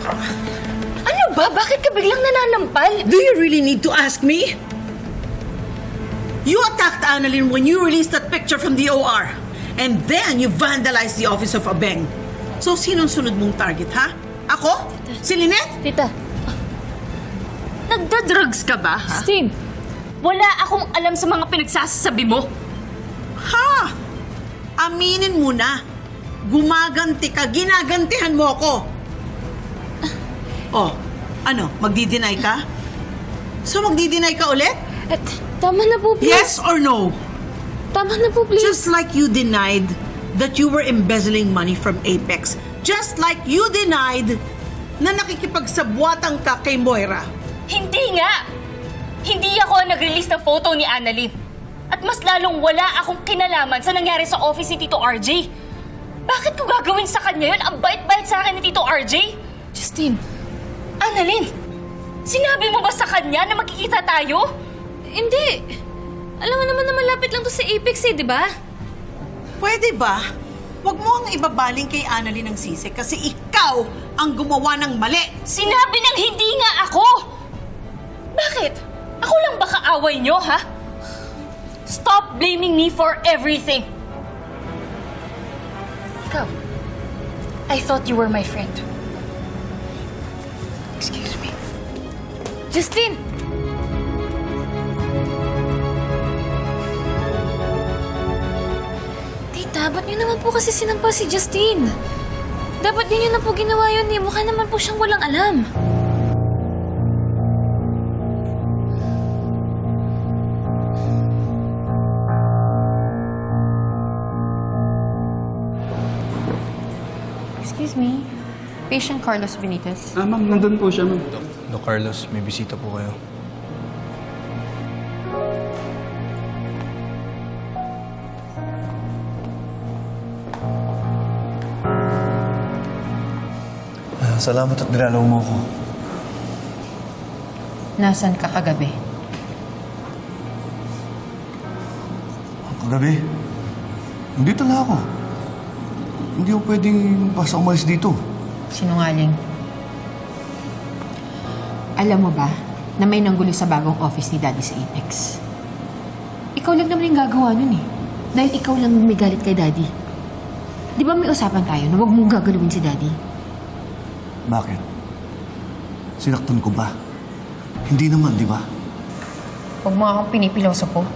Ano ba? Bakit ka biglang nananampal? Do you really need to ask me? You attacked Annalyn when you released that picture from the OR. And then you vandalized the office of Abeng. So, sinong sunod mong target, ha? Ako? Si Lynette? Tita. Nagda-drugs ka ba, ha? Christine! Wala akong alam sa mga pinagsasabi mo. Ha? Aminin mo na. Gumaganti ka, ginagantihan mo ako. Oh, ano, magdi-deny ka? So, magdi-deny ka ulit? Tama na po, please. Yes or no? Tama na po, please. Just like you denied that you were embezzling money from Apex. Just like you denied na nakikipagsabwatang ka kay Moira. Hindi nga! Hindi ako ang nag-release ng photo ni Annalyn. At mas lalong wala akong kinalaman sa nangyari sa office ni Tito RJ. Bakit ko gagawin sa kanya yun? Ang bait-bait sa akin ni Tito RJ? Justine! Annalyn, sinabi mo ba sa kanya na magkikita tayo? Hindi! Alam mo naman na malapit lang to sa Apex di ba? Pwede ba? Huwag mo ang ibabaling kay Annalyn ng sisi kasi ikaw ang gumawa ng mali. Sinabi ng hindi nga ako! Bakit? Ako lang ba kaaway nyo, ha? Stop blaming me for everything! Ikaw, I thought you were my friend. Excuse me. Justine! Tita, ba't niyo naman po kasi sinampal si Justine? Dapat din niyo na po ginawa yun eh. Mukha naman po siyang walang alam. Excuse me. Patient Carlos Benitez. Ma'am, nandun po siya, ma'am. Doc Carlos, may bisita po kayo. Salamat at nilalaw mo ako. Nasaan ka kagabi? Kagabi, nandito lang ako. Hindi ako pwedeng basta umalis dito. Sinungaling. Alam mo ba na may nanggulo sa bagong office ni Daddy sa Apex? Ikaw lang naman yung gagawa nun eh. Dahil ikaw lang may galit kay Daddy. Di ba may usapan tayo na huwag mong gagalawin si Daddy? Bakit? Sinaktan ko ba? Hindi naman, di ba? Huwag mo akong pinipiloso po.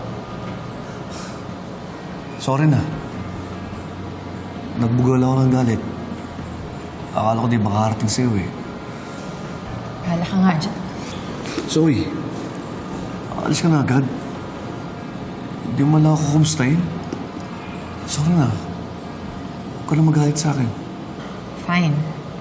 Sorry na. Nagbugal ako ng galit. Akala ko di makakarating sa'yo eh. Bahala ka nga dyan. Zoe, alis ka na agad. Hindi mo lang ako kumustahin. Sorry na. Huwag ka na magalit sa akin. Fine.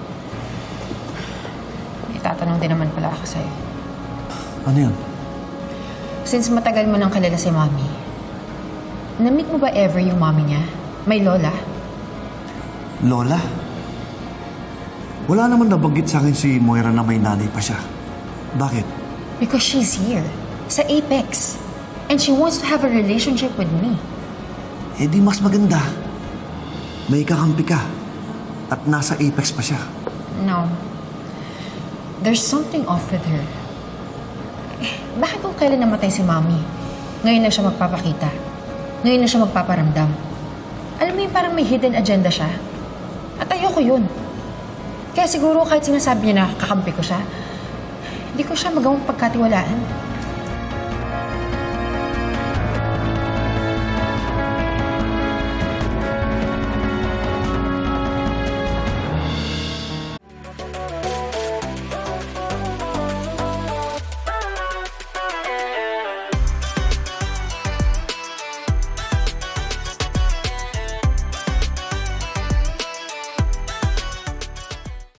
Itatanong din naman pala ako sa'yo. Ano yan? Since matagal mo nang kilala si Mommy, na-meet mo ba ever yung Mommy niya? May lola? Lola? Wala naman nabanggit sa akin si Moira na may nanay pa siya. Bakit? Because she's here, sa Apex. And she wants to have a relationship with me. Eh di mas maganda. May kakampi ka. At nasa Apex pa siya. No. There's something off with her. Bakit kung kailan namatay si Mommy? Ngayon lang siya magpapakita. Ngayon lang siya magpaparamdam. Alam mo yung parang may hidden agenda siya. At ayoko yun. Kaya siguro kahit sinasabi niya na kakampi ko siya, hindi ko siya magawang pagkatiwalaan.